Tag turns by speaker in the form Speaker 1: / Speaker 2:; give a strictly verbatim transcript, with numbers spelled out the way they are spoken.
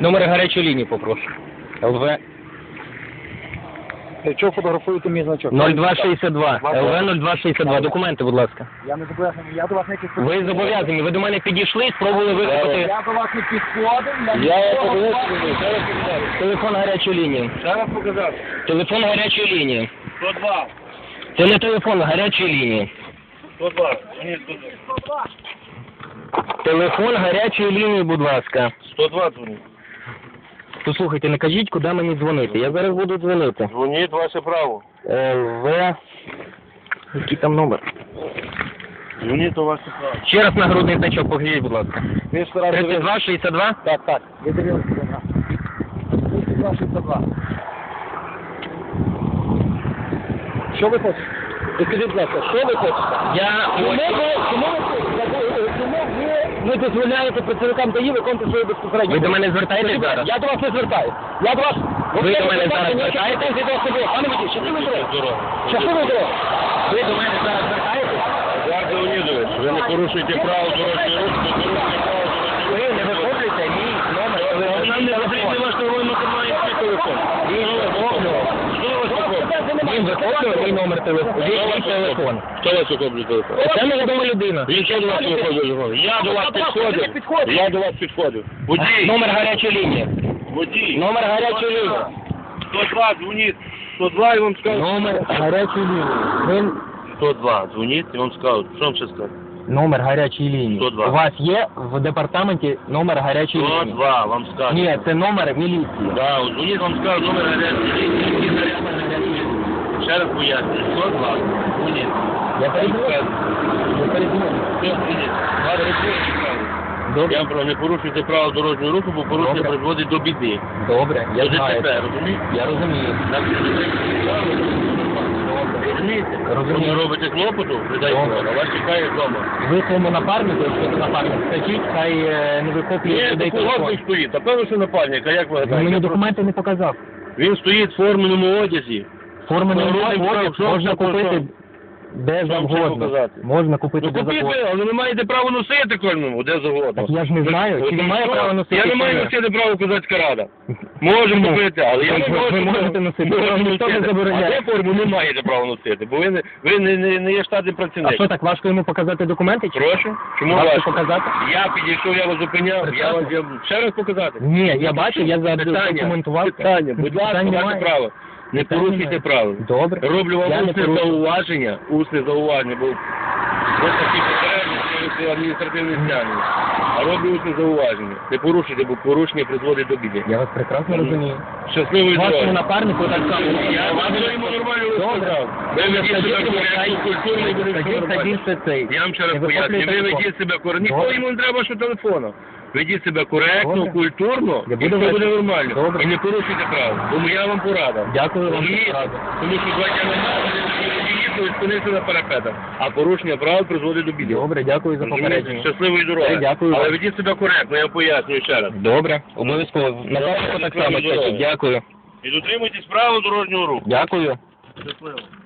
Speaker 1: Номер гарячої лінії попрошу. ЛВ
Speaker 2: Чого фотографуєте мій значок?
Speaker 1: нуль два шістдесят два. ЛВ нуль два шістдесят два. Документи, будь ласка.
Speaker 2: Я не зобов'язаний, я до вас не підходив.
Speaker 1: Ви зобов'язані, ви до мене підійшли, спробували викликати
Speaker 2: Я до вас не підходив, я
Speaker 1: Я
Speaker 2: нічого
Speaker 1: вам
Speaker 2: з вами
Speaker 1: показав.
Speaker 2: не розмовляю.
Speaker 1: телефон гарячої лінії.
Speaker 2: Ще раз показав.
Speaker 1: Телефон гарячої лінії.
Speaker 2: сто два.
Speaker 1: Це не телефон гарячої лінії.
Speaker 2: сто два. Ні, сто два.
Speaker 1: Телефон гарячої лінії, будь ласка.
Speaker 2: сто два дзвонить.
Speaker 1: Послухайте, не кажіть, куди мені дзвонити. Я зараз буду дзвонити.
Speaker 2: Дзвоніть, ваше право.
Speaker 1: ЛВ... Який там номер?
Speaker 2: Дзвоніть, то ваше право.
Speaker 1: Ще раз нагрудний значок, покажіть, будь ласка.
Speaker 2: Ви ж раз
Speaker 1: тридцять два шістдесят два?
Speaker 2: Так, так. Ви дивилися на. тридцять два шістдесят два. Що ви хочете? Ви скажіть, будь ласка, що ви хочете?
Speaker 1: Я
Speaker 2: Чому ви,
Speaker 1: хочу...
Speaker 2: чому ви, чому ви не дозволяєте працівникам ДАІ виконувати свої безпосередні?
Speaker 1: Ви до мене звертаєтесь зараз?
Speaker 2: Я до вас не звертаюсь. Я до вас...
Speaker 1: Ви до мене зараз звертаєтесь?
Speaker 2: Пане водій, щасливої дороги. Щасливої дороги.
Speaker 1: Ви до мене зараз звертаєтесь?
Speaker 2: Едуард Леонідович, ви не порушуєте право дорожнього руху, ви порушуєте право дорожнього руху.
Speaker 1: Ви не виходите мій номер телефону.
Speaker 2: Нам не потрібен ваш новий матеріальний телефон.
Speaker 1: Він вихоплював. Він вихоплював мій номер телефону. Мій телефон.
Speaker 2: Хто вас охоплює телефон?
Speaker 1: Це невідома людина.
Speaker 2: Він що до вас виходить телефон? Я до вас підходив. Я до вас підходив. Водій.
Speaker 1: Номер гарячої лінії.
Speaker 2: Водій.
Speaker 1: Номер гарячої лінії.
Speaker 2: сто два, дзвоніть. сто два і вам скажуть.
Speaker 1: Номер гарячої лінії. Він...
Speaker 2: сто два, дзвоніть і вам скажуть. Що вам ще скажуть?
Speaker 1: Номер гарячої лінії.
Speaker 2: сто два.
Speaker 1: У вас є в департаменті номер гарячої
Speaker 2: сто
Speaker 1: лінії?
Speaker 2: два, вам скажуть.
Speaker 1: Ні, це номер міліції.
Speaker 2: Да, от дзвоніть, вам скажуть номер гарячої лінії. Ще раз пояснюю. сто два, дзвоніть.
Speaker 1: Я передзвоню. Я передзвоню.
Speaker 2: Все, дзвоніть. Вас розповідь.
Speaker 1: Добре.
Speaker 2: Я вам кажу, не порушуйте право дорожнього руху, бо порушення
Speaker 1: Добре.
Speaker 2: призводить до біди.
Speaker 1: Добре, я
Speaker 2: До
Speaker 1: знаю.
Speaker 2: ДТП, розумієте?
Speaker 1: Я розумію.
Speaker 2: Так, що ви розумієте?
Speaker 1: Розумію.
Speaker 2: Ви робите клопоту, ви дай
Speaker 1: Добре.
Speaker 2: Бога, а вас чекає вдома.
Speaker 1: Ви своєму напарнику, якщо це напарник, скажіть, хай е, не викоплює
Speaker 2: Ні,
Speaker 1: людей
Speaker 2: такого
Speaker 1: телефон.
Speaker 2: він стоїть. Та певно, що напарник, а як ви
Speaker 1: Він мені
Speaker 2: гадаєте?
Speaker 1: документи не показав.
Speaker 2: Він стоїть в форменому одязі.
Speaker 1: Формений
Speaker 2: Народний
Speaker 1: одяг
Speaker 2: фронт, що
Speaker 1: можна
Speaker 2: це
Speaker 1: купити
Speaker 2: що?
Speaker 1: де
Speaker 2: Що вам ще
Speaker 1: завгодно.
Speaker 2: показати?
Speaker 1: Можна купити
Speaker 2: Ну
Speaker 1: де
Speaker 2: купіть
Speaker 1: завгодно.
Speaker 2: ви, але ви маєте право носити кожному, де завгодно.
Speaker 1: Так я ж не знаю, чи
Speaker 2: От
Speaker 1: він має
Speaker 2: що?
Speaker 1: право носити,
Speaker 2: Я не
Speaker 1: чи
Speaker 2: маю
Speaker 1: ні?
Speaker 2: носити право козацька рада. Можемо
Speaker 1: Чому?
Speaker 2: купити, але я
Speaker 1: Ви-
Speaker 2: не
Speaker 1: ви-
Speaker 2: можу.
Speaker 1: ви можете носити,
Speaker 2: Можу
Speaker 1: вам ніхто не
Speaker 2: носити.
Speaker 1: забороняє.
Speaker 2: А ви форму не маєте права носити, бо ви не, ви не, не, не є штатний
Speaker 1: А
Speaker 2: працівник.
Speaker 1: що, так важко йому показати документи? Чи?
Speaker 2: Прошу? Чому
Speaker 1: Важко
Speaker 2: важко?
Speaker 1: показати?
Speaker 2: Я підійшов, я вас зупиняв, я вас я... ще раз показати.
Speaker 1: Ні, я бачу, я
Speaker 2: Питання,
Speaker 1: задокументував.
Speaker 2: питання, будь ласка,
Speaker 1: Питань
Speaker 2: маєте
Speaker 1: немає.
Speaker 2: право. Не
Speaker 1: Питань
Speaker 2: порушуйте
Speaker 1: немає.
Speaker 2: правил.
Speaker 1: Добре.
Speaker 2: Роблю
Speaker 1: Я
Speaker 2: вам
Speaker 1: не
Speaker 2: усне
Speaker 1: порушую.
Speaker 2: зауваження, усне зауваження, бо ось такі попередні, це адміністративне стягнення. А роблю усне зауваження. Не порушуйте, бо порушення призводить до біди.
Speaker 1: Я вас прекрасно розумію.
Speaker 2: Щасливої
Speaker 1: Вашому
Speaker 2: дороги.
Speaker 1: напарнику так само.
Speaker 2: Я вам йому нормально
Speaker 1: Добре.
Speaker 2: розказав. Ви ведіть себе
Speaker 1: Скажіть,
Speaker 2: коректно, культурно і буде все
Speaker 1: Скажіть,
Speaker 2: нормально.
Speaker 1: скажіть, що цей.
Speaker 2: Я вам ще раз
Speaker 1: Не
Speaker 2: поясню,
Speaker 1: вихоплюйте
Speaker 2: ви
Speaker 1: телефон.
Speaker 2: ведіть себе коректно. Ніхто
Speaker 1: Добре.
Speaker 2: йому не треба що телефону. Ведіть себе коректно,
Speaker 1: Добре.
Speaker 2: культурно,
Speaker 1: Я
Speaker 2: і
Speaker 1: буду
Speaker 2: все буде
Speaker 1: вести.
Speaker 2: нормально.
Speaker 1: Добре.
Speaker 2: І не порушуйте право. Тому я вам порада.
Speaker 1: Дякую вам за
Speaker 2: Розумієте?
Speaker 1: пораду.
Speaker 2: Тому що два дня назад ви спинився на парапетах, а порушення правил призводить до біди.
Speaker 1: Добре, дякую за
Speaker 2: Розумієте?
Speaker 1: попередження.
Speaker 2: Щасливої дороги.
Speaker 1: Все, дякую
Speaker 2: Але
Speaker 1: вам.
Speaker 2: ведіть себе коректно, я пояснюю ще раз.
Speaker 1: Добре, обов'язково. Напарнику так само
Speaker 2: Щасливої дороги.
Speaker 1: скажіть. Дякую.
Speaker 2: І дотримуйтесь правил дорожнього руху.
Speaker 1: Дякую.
Speaker 2: Щасливо.